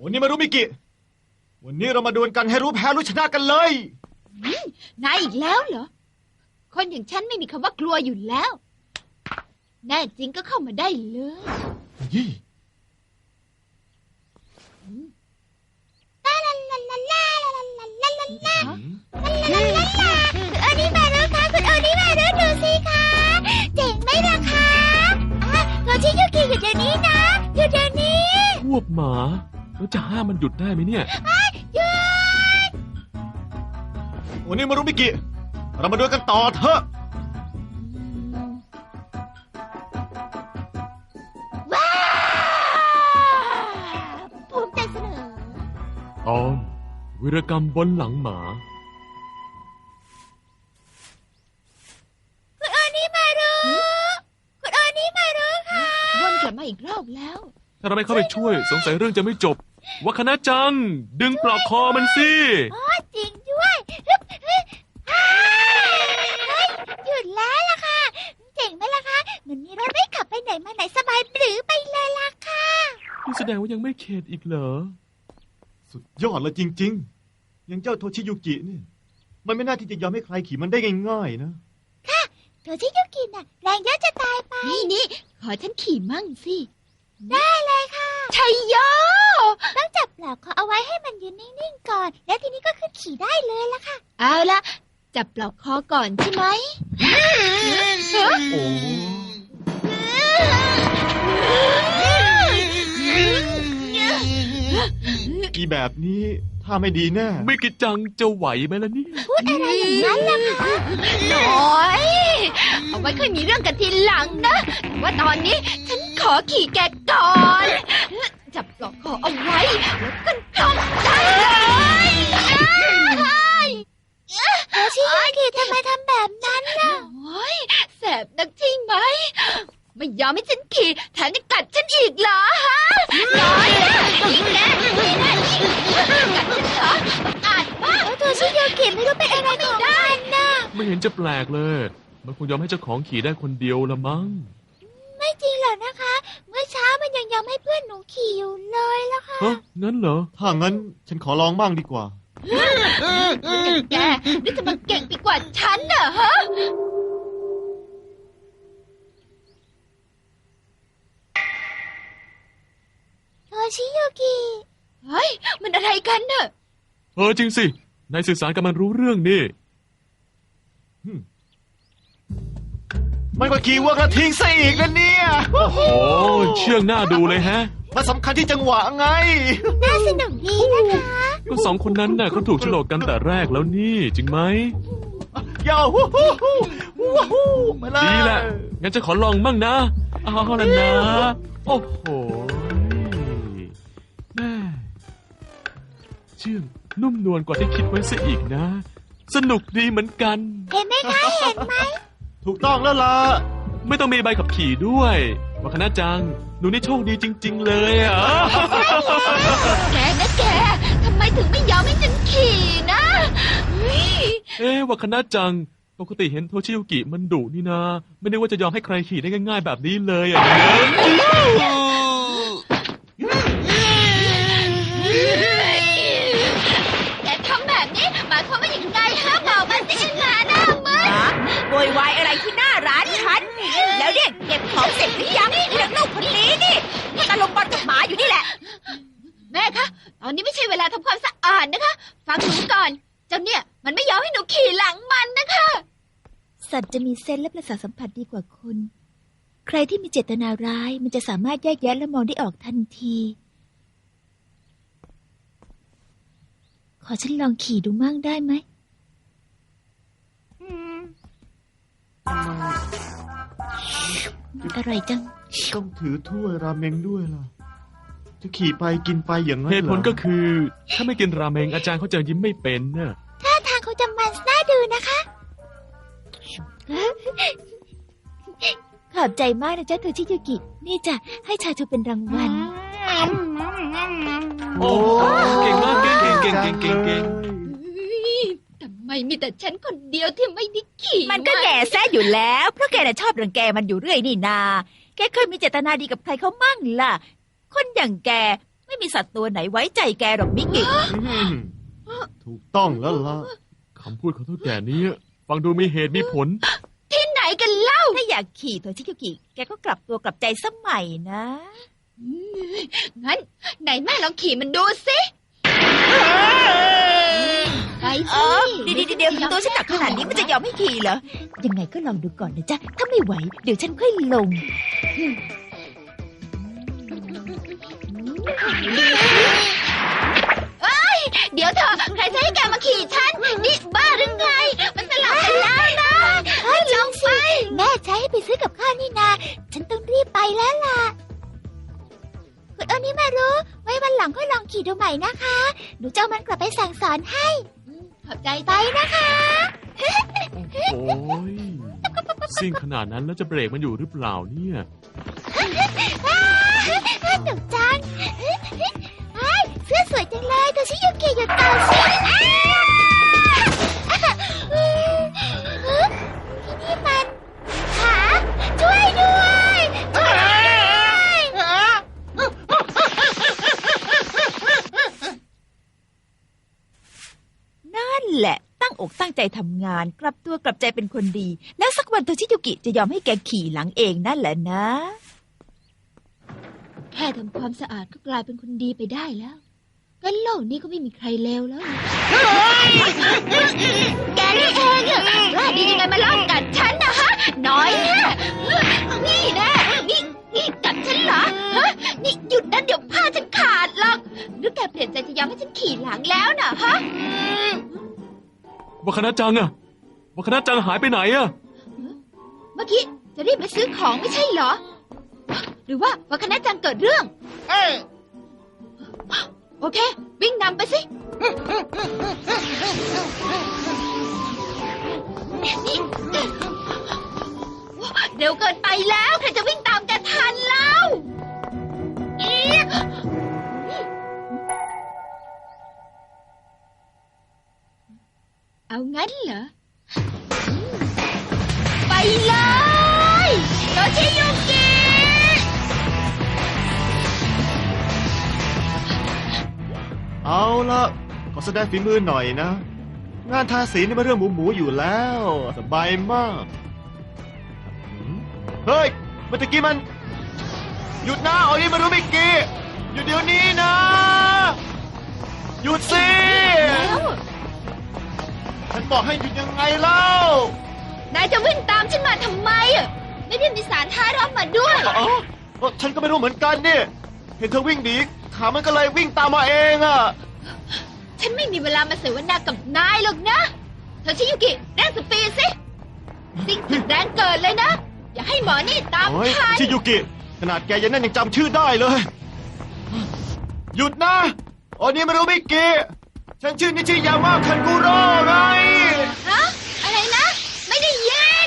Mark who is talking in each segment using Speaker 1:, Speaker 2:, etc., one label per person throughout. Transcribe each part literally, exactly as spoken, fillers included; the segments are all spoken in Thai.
Speaker 1: วันนี้มารู้มิกิวันนี้เรามาดวลกันให้รู้แพ้รู้ชนะกันเลย
Speaker 2: นายอีกแล้วเหรอคนอย่างฉันไม่มีคำว่ากลัวอยู่แล้วแน่จริงก็เข้ามาได้เลย
Speaker 1: ยี่
Speaker 2: ลาลาลาลาลาลาลาลาลาลาลาลาลาลาลาคุณโอนิมารุคะคุณโอนิมารุดูสิคะเจ๋งไหมล่ะคะโทชิยุกิอยู่เดี๋ยวนี้นะอยู่เดี๋ยวนี้
Speaker 3: พวกหมาแล้วจะห้ามมันหยุดได้ไหมเนี่ย
Speaker 2: หยุด
Speaker 1: วันนี้มารู้มิกิเรามาดวลกันต่อเถอะ
Speaker 2: ว้าวภูมิใจเสนอ
Speaker 3: ตอนวีรกรรมบนหลังหมา
Speaker 2: คุณโอนิมารุคุณโอนิมารุค่ะวนกลับมาอีกรอบแล้ว
Speaker 3: ถ้าเราไม่เข้าไปช่วยสงสัยเรื่องจะไม่จบวาคณะจังดึงปลอกคอมันสิ
Speaker 2: อ๋อจริงด้วยหยุดแล้วล่ะค่ะเจ๋งไหมล่ะคะเหมือนมีรถไม่ขับไปไหนมาไหนสบายปรือไปเลยล่ะค่ะ
Speaker 3: นี่แสดงว่ายังไม่เข็ดอีกเหรอ
Speaker 1: สุดยอดเลยจริงๆอย่างเจ้าโทชิยุกินี่มันไม่น่าที่จะยอมให้ใครขี่มันได้ง่ายๆนะ
Speaker 2: ค่ะโทชิยุกิน่ะแรงเยอะจะตายไปนี่นี่ขอฉันขี่มั่งสิได้เลยค่ะชัยโยต้องจับปลอกคอเอาไว้ให้มันยืนนิ่งๆก่อนแล้วทีนี้ก็ขึ้นขี่ได้เลยล่ะค่ะเอาละจับปลอกคอก่อนใช่ไหม
Speaker 1: โอ้อีแบบนี้ถ้าไม่ดีแน่
Speaker 3: ไม่กิจังจะไหวไหมล่ะนี่
Speaker 2: พูดอะไรอย่างนั้นล่ะคะน้อยเอาไว้ค่อยมีเรื่องกันทีหลังนะว่าตอนนี้ฉันขอขี่แกก่อนจับปลอกคอเอาไว้แล้วกันทำได้เลยโทชิยุกิทำไมทำแบบนั้นล่ะโอ้ยแสบนักใช่ไหมไม่ยอมให้ฉันขี่แถมยังกัดฉันอีกเหรอฮะน้อยนะยิงแน่ยิงแน่ยิงกัดฉันเหรออาจมากโทชิยุกิไม่รู้เป็นอะไรของมันนะ
Speaker 3: ไม่เห็นจะแปลกเลยมันคงยอมให้เจ้าของขี่ได้คนเดียวละมั้ง
Speaker 2: ไม่จริงหรอกนะคะเมื่อเช้ามันยังยอมให้เพื่อนหนูขี่อยู่เลยล่ะค่ะ
Speaker 3: ฮะงั้นเหรอ
Speaker 1: ถ้างั้นฉันขอลองบ้างดีกว่า
Speaker 2: แกนี่จะมาเก่งไปกว่าฉันเหรอฮะโทชิยุกิเฮ้ยมันอะไรกันเนอะ
Speaker 3: เออจริงสินายสื่อสารกับมันรู้เรื่องนี่
Speaker 1: มันก็ขี่วัวกระทิงซะอีกนะเนี่ย
Speaker 3: โอ้โหเชื่องหน้าดูเลยฮะ
Speaker 1: มันสำคัญที่จังหวะไง
Speaker 2: น่าสนุกดีนะคะ
Speaker 3: ก็สองคนนั้นน่ะเขาถูกโฉลกกันแต่แรกแล้วนี่จริงไหม
Speaker 1: ยาวฮู้ฮู้ฮู้ฮู้มาเลย
Speaker 3: ดีแหละงั้นจะขอลองมั่งนะเอาละนะโอ้โหแม่เชื่องนุ่มนวลกว่าที่คิดไว้ซะอีกนะสนุกดีเหมือนกัน
Speaker 2: เห็นไหมคะเห็นไหม
Speaker 1: ถูกต้องแล้วล่ะ
Speaker 3: ไม่ต้องมีใบขับขี่ด้วยวาคณะจังหนูนี่โชคดีจริงๆเลยอ่ะ
Speaker 2: แกนะแกทำไมถึงไม่ยอมให้ฉันขี่นะ
Speaker 3: เอ๊ะวาคณะจังปกติเห็นโทชิยุกิมันดุนี่นะไม่ได้ว่าจะยอมให้ใครขี่ได้ง่ายๆแบบนี้เลยอ่ะ
Speaker 2: แกทำแบบนี้หมายความว่าอย่างไรฮะบอกมาสิงาหน้ามึน
Speaker 4: โวยวายอะไรที่หน้าร้านฉันแล้วเรียกเก็บของเสร็จหรือยังเรื่องลูกคนนี้นี่ตะลุมบอลกับหมาอยู่นี่แหละ
Speaker 2: แม่คะตอนนี้ไม่ใช่เวลาทำความสะอาดนะคะฟังหนูก่อนเจ้าเนี่ยมันไม่ยอมให้หนูขี่หลังมันนะคะสัตว์จะมีเซนส์และประสาทสัมผัสดีกว่าคนใครที่มีเจตนาร้ายมันจะสามารถแยกแยะและมองได้ออกทันทีขอฉันลองขี่ดูมั่งได้ไหมอร่อยจัง
Speaker 1: ต้องถือถ้วยราเมงด้วยล่ะจะขี่ไปกินไปอย่างนั้นเหรอ
Speaker 3: เหตุผลก็คือถ้าไม่กินราเมงอาจารย์เขาจะยิ้มไม่เป็นน่ะ
Speaker 2: ท่าทางเขาจะมันน่าดูนะคะขอบใจมากนะจ๊ะโทชิยุกินี่จะให้ชาชูเป็นรางวัล
Speaker 3: โอ้เก่งมากเก่งเก่งเก่งเก่งเก่งเก่ง
Speaker 2: ทำไมมีแต่ฉันคนเดียวที่ไม่ได้ขี่
Speaker 4: มันก็แก่แซ่อยู่แล้วเพราะแกน่ะชอบรังแกมันอยู่เรื่อยนี่นาแกเคยมีเจตนาดีกับใครเขามั่งล่ะคนอย่างแกไม่ไม่มีสัตว์ตัวไหนไว้ใจแกหรอกมิกิ
Speaker 1: อืมถูกต้องแล้วล่ะ
Speaker 3: คำพูดของเท่าแก่นี้ฟังดูมีเหตุมีผล
Speaker 2: ที่ไหนกันเล่า
Speaker 4: ถ้าอยากขี่โทชิยุกิแกก็กลับตัวกลับใจสมัยนะ
Speaker 2: งั้นไหนแม่ลองขี่มันดูสิไป
Speaker 4: เอ
Speaker 2: สิ
Speaker 4: อเดี๋ยวเดี๋ยวเดี๋ยวตัวฉันหนักขนาดนี้มันจะยอมให้ขี่เหรอ ยังไงก็ลองดูก่อนนะจ๊ะ ถ้าไม่ไหว เดี๋ยวฉันค่อยลง
Speaker 2: เดี๋ยวเถอะใครจะให้แกมาขี่ฉันนี่บ้าหรือไง มันสลับกันแล้วนะให้ลองไปแม่ใช้ให้ไปซื้อกับข้าวนี่นาฉันต้องรีบไปแล้วล่ะคุณโอนี่มารู้ไว้วันหลังค่อยลองขี่ดูใหม่นะคะหนูจะเอามันกลับไปสั่งสอนให้ขอบใจไปนะคะ
Speaker 3: โอ้ยซิ่งขนาดนั้นแล้วจะเบรกมันอยู่หรือเปล่าเนี่ย
Speaker 2: หนูจังเสื้อสวยจังเลยโทชิยุกิหยุดก่อนสิที่นี่มันขาช่วยด้วยช่วยด้วย
Speaker 4: นั่นแหละ ตั้งอกตั้งใจทำงาน กลับตัวกลับใจเป็นคนดี แล้วสักวันโทชิยุกิจะยอมให้แกขี่หลังเองนั่นแหละนะ
Speaker 2: แค่ทำความสะอาดก็กลายเป็นคนดีไปได้แล้วงั้นโลกนี้ก็ไม่มีใครเลวแล้ว แกนี่เองอะว่าดียังไงมาลอบกัดฉันนะฮะ น้อยแน่นี่แน่นี่นี่กัดฉันเหรอ ฮะ นี่หยุดนะเดี๋ยวผ้าฉันขาดหรอกหรือแกเปลี่ยนใจจะยอมให้ฉันขี่หลังแล้วนะฮะ
Speaker 3: วัคณะจังอะวัคณะจังหายไปไหนอะ
Speaker 2: เมื่อกี้จะรีบไปซื้อของไม่ใช่เหรอ หรือว่าวัคณะจังเกิดเรื่อง โอเค วิ่งนำไปสินี่เร็วเกินไปแล้วใครจะวิ่งตามแกทันแล้วอี๊ะเอางั้นเหรอ ไปเลยโทชิยุกิ
Speaker 1: เอาละขอแสดงฝีมือหน่อยนะ งานทาสีนี่มันเรื่องหมูหมูๆอยู่แล้ว สบายมากหืมเฮ้ยเมื่อกี้มัน หยุดนะเอาอีมารู้มิกี้หยุดเดี๋ยวนี้นะ หยุดสิ
Speaker 2: แล้ว
Speaker 1: ฉันบอกให้หยุดยังไงเล่าน
Speaker 2: ายจะวิ่งตามฉันมาทำไมอะไม่ได้มีสารท้ารับมาด้วย
Speaker 1: อ๋อเอ้อฉันก็ไม่รู้เหมือนกันนี่เห็นเธอวิ่งหนีขามันก็เลยวิ่งตามมาเองอะ
Speaker 2: ฉันไม่มีเวลามาเสวนากับนายหรอกนะโทชิยุกิเร่งสปีดสิสิ่งสุดแรงเกิดเลยนะ อย่าให้หมอนี่ตาม
Speaker 1: โอ้ย
Speaker 2: ทัน
Speaker 1: ชิยุกิ ขนาดแกยังนั่นยังจำชื่อได้เลย หยุดนะโอ้นี่ไม่รู้มิกี้ฉันชื่อนิชิยามาคันกุโร่ไง
Speaker 2: ฮะอะไรนะ ไม่ได้ยิน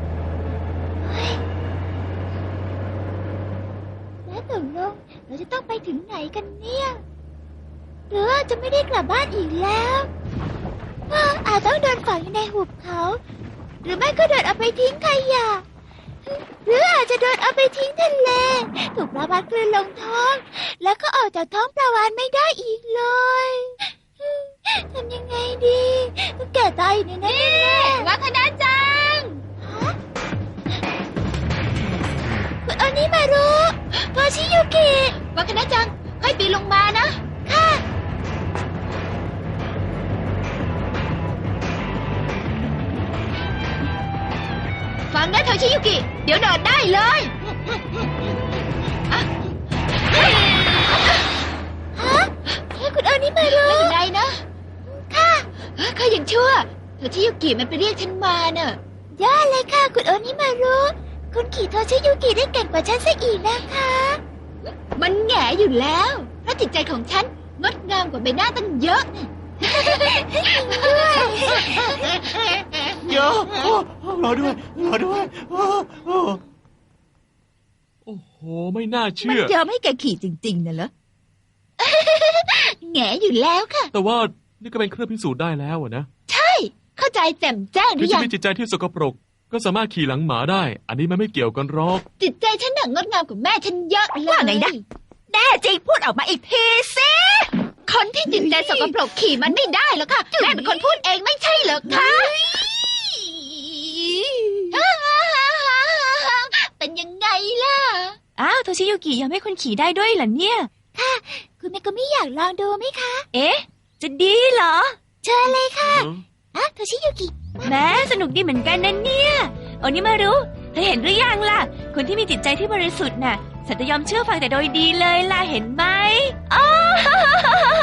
Speaker 2: แล้วตกลงเราจะต้องไปถึงไหนกันเนี่ยหรือว่าจะไม่ได้กลับบ้านอีกแล้วว่าอาจต้องโดนฝังอยู่ในหุบเขา หรือไม่ก็โดนเอาไปทิ้งขยะหรืออาจจะโดนเอาไปทิ้งทะเลถูกปลาวาฬกลืนลงท้อง แล้วก็ออกจากท้องปลาวาฬไม่ได้อีกเลยทำยังไงดีแก่ตายอยู่ในนั้นแน่วัคณะจังคุณโอนิมารุโทชิยุกิวัคณะจังค่อยปีนลงมานะค่ะฟังนะโทชิยุกิเดี๋ยวโดดได้เลยฮะคุณโอนิมารุไม่เป็นไรนะค่ะข้ายังชั่วโทชิยุกิมันไปเรียกฉันมาเนอะยอดเลยค่ะคุณโอนิมารุคุณขี่โทชิยุกิได้เก่งกว่าฉันซะอีกนะคะ มันแง่อยู่แล้วเพราะจิตใจของฉันงดงามกว่าใบหน้าตั้งเยอะ
Speaker 1: เดี๋ยวโอ้รอด้วยรอด้วยโอ้โอ้
Speaker 3: โอ้โหไม่น่า
Speaker 4: มัน
Speaker 3: เชื่อ
Speaker 4: ยอมให้แกขี่จริงๆน่ะเหรอ
Speaker 2: แง่อยู่แล้วค่ะ
Speaker 3: แต่ว่านี่ก็เป็นเครื่องพิสูจน์ได้แล้วอะนะ
Speaker 2: ใช่ เข้าใจแจ่มแจ้งหรื
Speaker 3: ถึง
Speaker 2: อ
Speaker 3: จะ
Speaker 2: ยัง
Speaker 3: มีจิตใจที่สกปรก ก็สามารถขี่หลังหมาได้ อันนี้มันไม่เกี่ยวกันหรอก
Speaker 2: จิตใจฉันหนังงดงามกว่าแม่ฉันเยอะเลย
Speaker 4: ว่าไงนะ แน่น่จริงพูดออกมาอีกทีสิ
Speaker 2: คนที่จิตใจสกปรกขี่มันไม่ได้หรอกค่ะแม่เป็นคนพูดเองไม่ใช่เหรอคะเป็นยังไงล่ะ
Speaker 5: อ้าวโทชิยุกิยอมให้คุณขี่ได้ด้วยเหรอเนี่ย
Speaker 2: คุณแม่ก็ไม่อยากลองดูไหมคะ
Speaker 5: เอ๊ะ จะดีเหรอ
Speaker 2: เชิญเลยค่ะอ่ะโทชิยุกิ
Speaker 5: แม้สนุกดีเหมือนกันนะเนี่ยโอนิมารุเธอเห็นหรือยังล่ะ คนที่มีจิตใจที่บริสุทธิ์น่ะ สัตย์ยอมเชื่อฟังแต่โดยดีเลยล่ะเห็นไหมอ้าว